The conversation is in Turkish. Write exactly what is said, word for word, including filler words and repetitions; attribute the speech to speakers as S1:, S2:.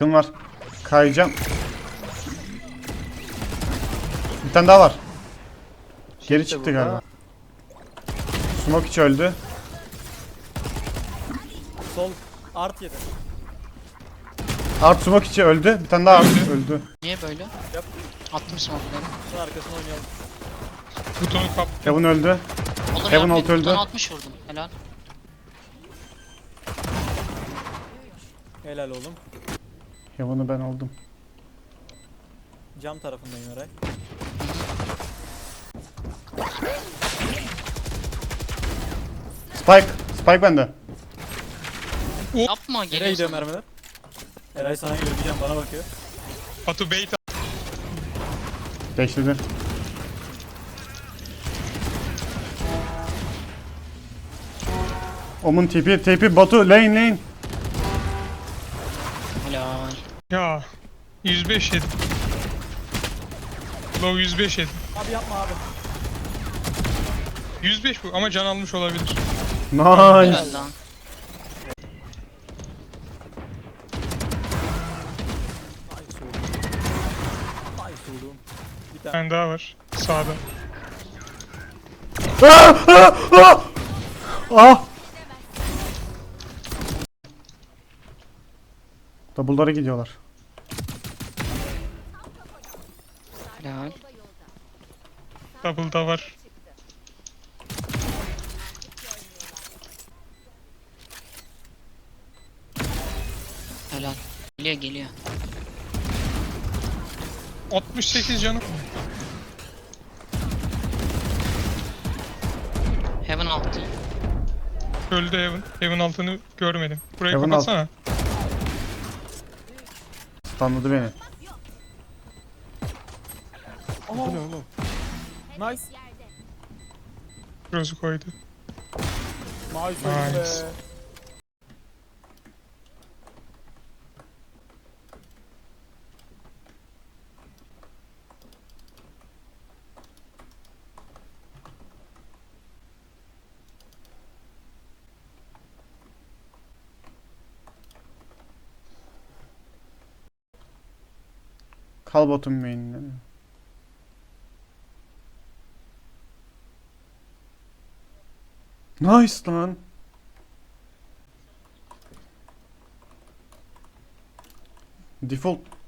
S1: Yakın var. Kayacağım. Bir tane daha var. Geri çıktı
S2: burada.
S1: galiba. Smoke hiç öldü.
S2: Sol art yedi.
S1: Art smoke içi öldü. Bir tane daha art öldü.
S3: Niye böyle?
S2: Yap.
S3: Attım smoke'ları.
S2: Şunun arkasına oynayalım.
S4: Butonu kap.
S1: Heaven öldü.
S3: Olur
S1: Heaven
S3: ya,
S1: alt
S3: bir
S1: öldü.
S3: tane altmış vurdum. Helal.
S2: Helal oğlum.
S1: Heaven'ı ben aldım.
S2: Cam tarafındayım Eray.
S1: Spike. Spike bende.
S3: Yapma,
S2: Nereye
S3: geliyor
S2: gidiyor
S3: sana.
S2: mermiler? Eray sana geliyor, bir cam bana bakıyor.
S4: Batu bait.
S1: Beşledi. Omun tipi tipi Batu lane lane.
S3: Helal.
S4: Ya yüz beş yedim. Low yüz beş yedim.
S2: Abi yapma abi.
S4: yüz beş bu ama can almış olabilir.
S1: Nice.
S3: Helal lan.
S2: Ay soğudum. Ay soğudum. Bir
S4: Bir
S2: tane.
S4: tane daha var sağda.
S1: Ah! Ah! Ah! Ah! Double'lara gidiyorlar.
S3: Helal.
S4: Double da var.
S3: Helal. Geliyor geliyor.
S4: altmış sekiz canım.
S3: Heaven altı.
S4: Öldü Heaven. Heaven altını görmedim. Burayı
S1: Heaven
S4: kapatsana.
S1: Stunladı beni.
S2: Bu ne oğlum? Nice.
S4: Cross'u koydu.
S2: Nice oğlum be.
S4: Nice.
S1: Kal bottom main'de. Nice lan. Default